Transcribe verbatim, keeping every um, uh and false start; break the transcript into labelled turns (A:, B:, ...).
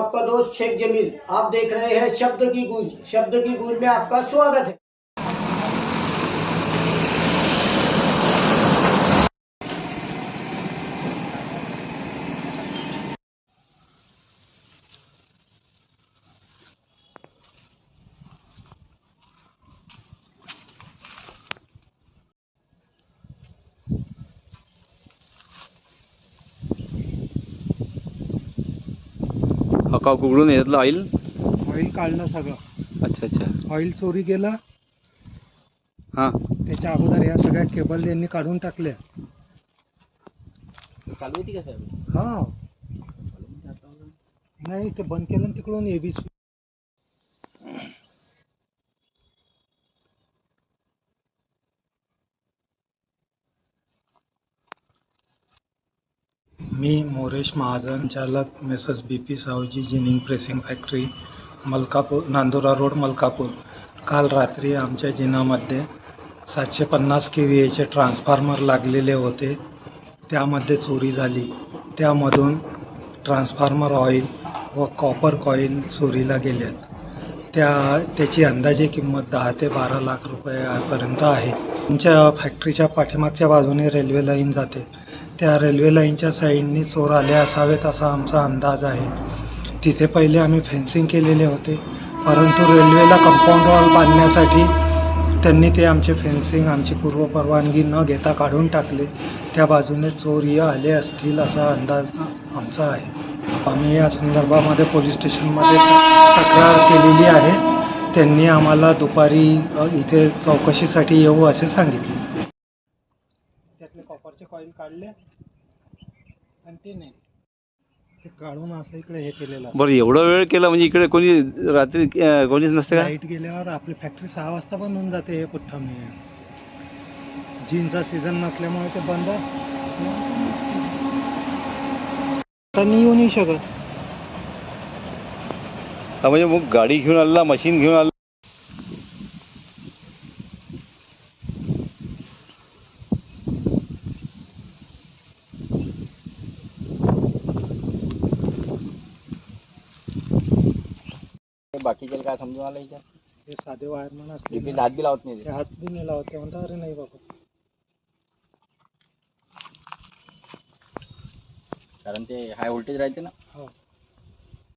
A: आपका दोस्त शेख जमील। आप देख रहे हैं शब्द की गूंज। शब्द की गूंज में आपका स्वागत है।
B: हका उघडून यातलं ऑइल
C: ऑइल काढलं सगळं।
B: अच्छा अच्छा
C: ऑइल चोरी केलं।
B: हां
C: त्याच्या अगोदर या सगळ्या केबल यांनी काढून टाकल्या।
B: चालू होती का सर?
C: हा नाही ते बंद केलं तिकडून एबीसी। मी मोरेश महाजन, चालक messrs B P Savji ginning pressing factory, Malkapur, Nandura road, Malkapur. काल रात्री आमच्या जिनामध्ये सातशे पन्नास के व्ही एचे ट्रान्सफॉर्मर लागलेले होते, त्यामध्ये चोरी झाली। त्यामधून ट्रान्सफॉर्मर ऑइल व कॉपर कॉईल चोरीला गेल्यात। त्या त्याची अंदाजे किंमत दहा ते बारा लाख रुपयापर्यंत आहे। आमच्या फॅक्टरीच्या पाठीमागच्या बाजूने रेल्वे लाईन जाते, त्या रेल्वे लाईनच्या साईडनी चोर आले असावेत असा आमचा अंदाज आहे। तिथे पहिले आम्ही फेन्सिंग केलेले होते, परंतु रेल्वेला कंपाऊंड वॉल बांधण्यासाठी त्यांनी ते आमचे फेन्सिंग आमची पूर्वपरवानगी न घेता काढून टाकले। त्या बाजूने चोर आले असतील असा अंदाज आमचा आहे। आम्ही या संदर्भामध्ये पोलीस स्टेशनमध्ये तक्रार केलेली आहे। त्यांनी आम्हाला दुपारी इथे चौकशीसाठी येऊ असे सांगितले। त्यातले कॉपरचे कॉईल काढले आणि ते नाही ते काढून असं इकडे हे केलेलं।
B: बरं, एवढा वेळ केला म्हणजे इकडे कोणी रात्री अं, कोणीच नसते का?
C: लाईट गेल्यावर आपली फॅक्टरी सहा वाजता बंद होऊन जाते। हे पुठ्ठा मी जीनचा सीझन नसल्यामुळे ते बंद नाही येऊ नाही शकत।
B: हा म्हणजे मग गाडी घेऊन आला, मशीन घेऊन आला? बाकीचे काय समजून आलं याच्यात?
C: हे साधे वायरमन असले
B: हात बी लावत नाही
C: ते हात बी नाही लावत, ते म्हणतात अरे नाही बाबा,
B: कारण ते हाय व्होल्टेज राहते ना।
C: हो